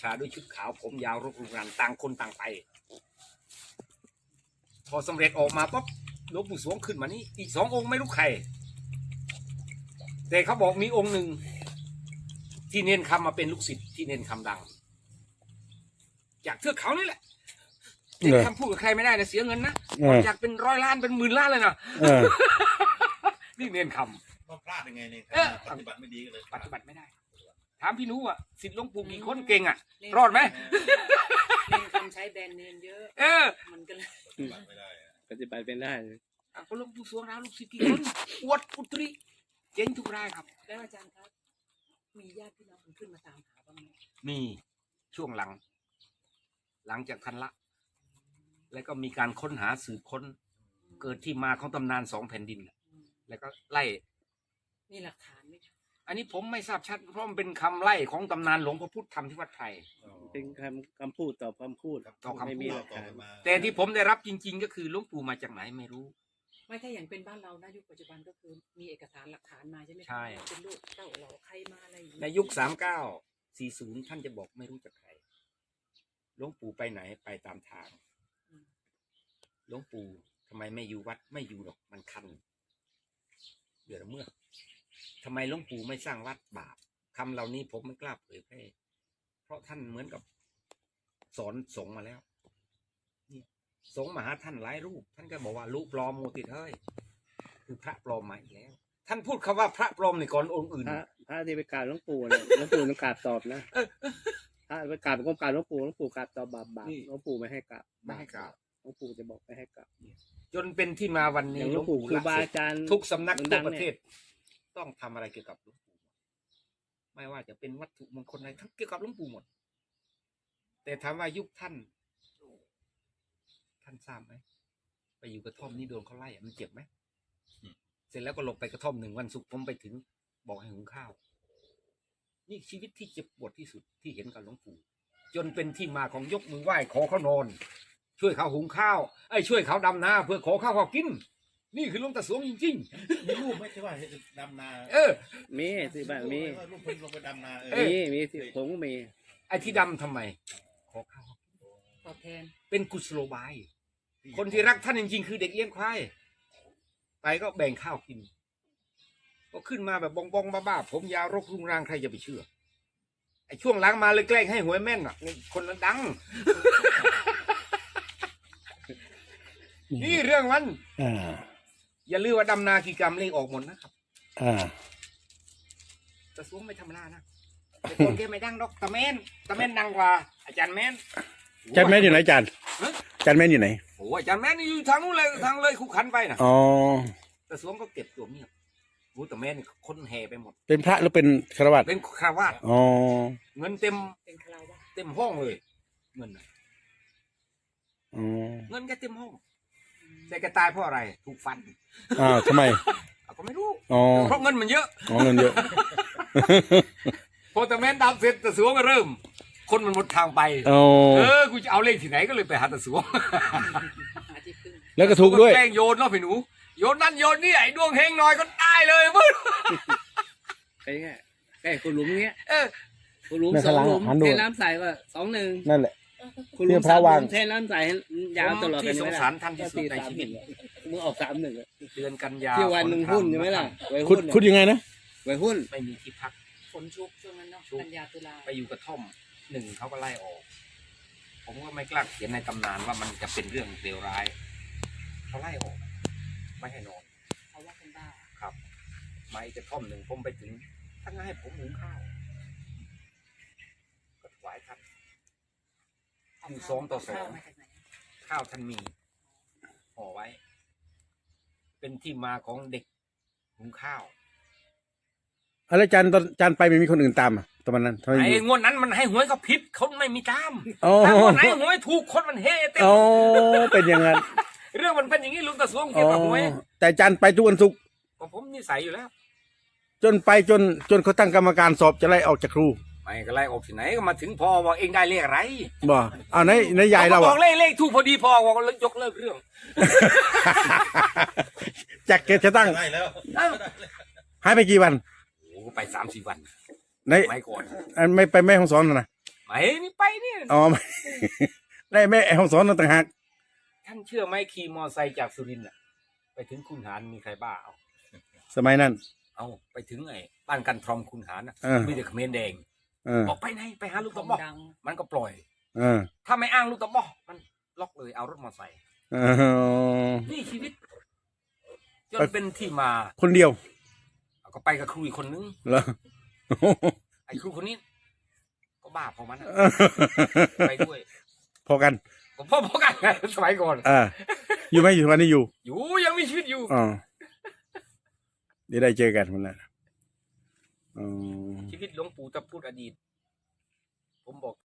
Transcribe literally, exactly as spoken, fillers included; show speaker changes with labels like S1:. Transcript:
S1: ชาด้วยชุดขาวผมยาวรกรุงรันต่างคนต่างไปพอสำเร็จออกมาปุ๊บหลวงปู่สวงขึ้นมานี่อีกสององค์ไม่รู้ใครแต่เขาบอกมีองค์หนึ่งที่เน้นคำมาเป็นลูกศิษย์ที่เน้นคำดังจากเทือกเขานี่แหละเน้นคำพูดกับใครไม่ได้นะเสียเงินนะอยากเป็นร้อยล้านเป็นหมื่นล้านเลยนะนี่เน้นคำ
S2: ก็พลาดยังไงเนี่ยปฏิบัติไม่ดีกันเลย
S1: ปฏิบัติไม่ได้ถามพี่นุอ่ะศิษย์หลวงปู่กี่คนเก่งอ่ะรอดไหม
S3: เน้นคำใช้แบรนด์เนมเยอะเออมันก็เลย
S2: ปฏิบัติไม่ได้
S4: ปฏิบัติเป็นได้
S1: อ่ะก็หลวงปู่สวงนะลูกศิษย์กี่คนอวดอุตริเจ๋งทุกรายครับ
S3: แล้วอาจารย์ครับมีญาติพี่น้องขึ้นมาตามหาบ้างไหม
S1: มีช่วงหลังหลังจากทันละแล้วก็มีการค้นหาสืบค้นเกิดที่มาของตำนานสองแผ่นดินแล้วก็ไล่
S3: มีหลักฐานไหม
S1: อันนี้ผมไม่ทราบชัดเพราะมันเป็นคำไล่ของตำนานหลวงพ่อพุธธรรมที่วัดไทย
S4: เป็นคำคำพูดต่อคำพูด
S1: ต่อคำพูดแต่ที่ผมได้รับจริงๆก็คือหลวงปู่มาจากไหนไม่รู้
S3: ไม่ถ้าอย่างเป็นบ้านเรานะยุคปัจจุบันก็คือมีเอกสารหลักฐานมาใช่ไหม
S1: ใช่
S3: เป็นลูกเต้าเหล่าใครมาอะไร
S1: ในยุคสามเก้าสี่ศูนย์ท่านจะบอกไม่รู้จักใครหลวงปู่ไปไหนไปตามทางหลวงปู่ทำไมไม่อยู่วัดไม่อยู่หรอกมันคันเดือดเมื่อทำไมหลวงปู่ไม่สร้างวัดบาปคำเหล่านี้ผมไม่กล้าเผยแพร่เพราะท่านเหมือนกับสอนสงฆ์มาแล้วนี่สงฆ์มาหาท่านหลายรูปท่านก็บอกว่ารูปปลอมโมติเฮ้ยคือพระปลอมมาอีกแล้วท่านพูดคำว่าพระปลอมในก่อนองค์อื่น
S4: พระพระที่ไปกราบหลวงปู่เนี่ยหลวงปู่ต้องกราบตอบนะถ้าไปกราบก้มกราบหลวงปู่หลวงปู่กราบตอบบาปบาปหลวงปู่ไม่ให้กราบ
S1: ไม่ให้กราบ
S4: หลวงปู่จะบอกไม่ให้กราบ
S1: จนเป็นที่มาวันนี้
S4: หลวงปู่ครูบาอาจารย์
S1: ทุกสำนักทั่วประเทศต้องทำอะไรเกี่ยวกับหลวงปู่ไม่ว่าจะเป็นวัตถุมงคลอะไรทั้งเกี่ยวกับหลวงปู่หมดแต่ถามว่ายุคท่านท่านทราบไหมไปอยู่กระท่อมนี่โดนเขาไล่มันเจ็บไหมเสร็จแล้วก็หลบไปกระท่อมหนึ่งวันศุกร์ผมไปถึงบอกให้หุงข้าวนี่ชีวิตที่เจ็บปวดที่สุดที่เห็นกับหลวงปู่จนเป็นที่มาของยกมือไหว้ขอเขานอนช่วยเขาหุงข้าวไอ้ช่วยเขาดำนาเพื่อขอข้าวเขากินนี่คือหลวงตาสวงจริง
S2: ๆมีรูปไม่ใช่ว่าดำนา
S1: เออ
S4: มีสิบ้างมี
S2: รูปเพิ่งลงไปดำนาเอ
S4: อมีมีสิผมก็มี
S1: ไอ้ที่ดำทำไมขอข้าว
S3: ตอบแทน
S1: เป็นกุศโลบายคนที่รักท่านจริงๆคือเด็กเลี้ยงควายไปก็แบ่งข้าวกินก็ขึ้นมาแบบบองบองบ้าๆผมยาวรกรุงรังใครจะไปเชื่อไอ้ช่วงหลังมาเลยแกล้งให้หวยแม่นอ่ะคนนั้นดังนี่เรื่องมันอย่าลืมว่าดำนากี่กรรมเลขออกหมดนะครับจะสู้ไม่ธรรมดานะแต่คนแกไม่ดังดอกตะเมนตะเมนดังกว่าอาจารย์แมน
S4: อาจารย์แมนอยู่ไหนอาจารย์อาจารย์แมนอยู่ไหน
S1: โอ้อาจารย์แมนอยู่ทางนู้นเลยทางเลยคุกขันไปนะ
S4: อ๋อ
S1: แต่สวงก็เก็บตัวเงียบโอ้ตะเมนคนแห่ไปหมด
S4: เป็นพระหรือเป็นคารวะ
S1: เป็นคารวะ
S4: อ๋อ
S1: เงินเต็ม
S3: เป็นคารวะ
S1: เต็มห้องเลยเงิน
S4: อ๋อ
S1: เงินแกเต็มห้องแต่แกตายเพราะอะไรถูกฟัน
S4: อ่าทำไม
S1: ก็ไม่รู้
S4: อ๋อ
S1: เพราะเงินมันเยอะ
S4: อ๋อเงินเยอะ
S1: พอตะเมนดำเสร็จตะสวงก็เริ่มคนมันหมดทางไปเออกูจะเอาเลขที่ไหนก็เลยไปหาตะสวง
S4: แล้วก็ถูกด้วย
S1: แกล้งโยนเนาะพี่หนูโยนนั่นโยนนี่ไอ้ดวงเฮงหน่อยก็ตายเลยมึง
S4: ไอ้แง่ไอ้คุณหลุมเงี้ย
S1: เออ
S4: คุณหลุมสองหลุมเทน้ำใสว่าสองหนึ่ง
S1: นั่นแหละ
S4: คุณหลุมสามหลุมเทน้ำใสยาวตลอด
S1: ที่สงสารท่านที่สุดในชีวิต
S4: มึงออกสามหนึ่ง
S1: เดือนกันยา
S4: ที่วันหนึ่งหุ้นใช่ไหมล่ะคุณคุณยังไงนะไว้หุ้น
S1: ไม่มีที่พัก
S3: ฝนชุกช่วงนั้นเนาะกันยาตุลา
S1: ไปอยู่กระท่อมหนึ่งเขาก็ไล่ออกผมก็ไม่กล้าเขียนในตำนานว่ามันจะเป็นเรื่องเลวร้ายเขาไล่ออกไม่ให้นอน
S3: เขาว่าเป็นบ้า
S1: ครับไม่กระท่อมหนึ่งผมไปถึงท่านให้ผมหุงข้าวก็ถวายท่านอยู่สองต่อสองข้าวท่านมีห่อไว้เป็นที่มาของเด็กหุงข้าว
S4: อะไรอาจารย์ตอนอาจารย์ไปไม่มีคนอื่นตามอ่ะตอนนั้น
S1: ไอ้งวดนั้นมันให้หวยเขาผิดเขาไม่มีตาม
S4: แต่
S1: งวดไหนหวยถูกคนมันเฮ่เต็ม
S4: โอ้เป็นอย่างนั้น
S1: เรื่องมันเป็นอย่างนี้ลุงตาสวงเกี่ยวกับหวย
S4: แต่อาจารย์ไปทุกวันศุกร์
S1: ก็ผมนิสัยอยู่แล้ว
S4: จนไปจนจนเขาตั้งกรรมการสอบจะไล่ออกจากครู
S1: ไม่ก็ไล่ออกที่ไหนก็มาถึงพอบอกเองได้เลขอะไร
S4: บ่เอาในในยายเรา
S1: บอกเลขเลขถูกพอดีพอบอกยกเลิกเรื่อง
S4: จากเกจะตั้งหายไปกี่วัน
S1: โอ้ไปสามสี่วัน
S4: ใน
S1: ไม่ก่อน
S4: ไม่ไปแม่ของสอนนะ
S1: ไไปนี่ไปนี่
S5: อ๋อ ไม่ได้แม่ห้องสอนต่างหาก
S1: ท่านเชื่อไหมขี่มอไซค์จากสุรินทร์น่ะไปถึงคุณหารมีใครบ้าเอา
S5: สมัยนั้น
S1: เอาไปถึงไอ้บ้านกันทรอมคุณหารน่ะ
S5: เออ
S1: มีแต่เขมรแดง
S5: เออ
S1: บอกไปไหนไปหาลูก
S3: ข
S1: ตะ
S3: อง
S1: บอก
S3: ดัง
S1: มันก็ปล่อย
S5: เออ
S1: ถ้าไม่อ้างลูกตะบอกมันล็อกเลยเอารถมอไซค์
S5: เออ
S1: นี่ชีวิตจน
S5: ไป
S1: เป็นที่มา
S5: คนเดียว
S1: ก็ไปกับครูอีกคนนึง
S5: เหรอ
S1: ไอ้ครูคนนี้ ก็บ้าพอมันอะไปด้วย
S5: พอกัน
S1: ก็พ่อพ่อกันสมัยก่อน
S5: อ่า อยู่ไหมอยู่วันนี้อยู่
S1: อยู่ยังมีชีวิตอยู่
S5: อ๋อเดี๋ยวได้เจอกันคนละอ๋อ
S1: ชีวิตหลวงปู่ตะพูดอดีต ผมบอก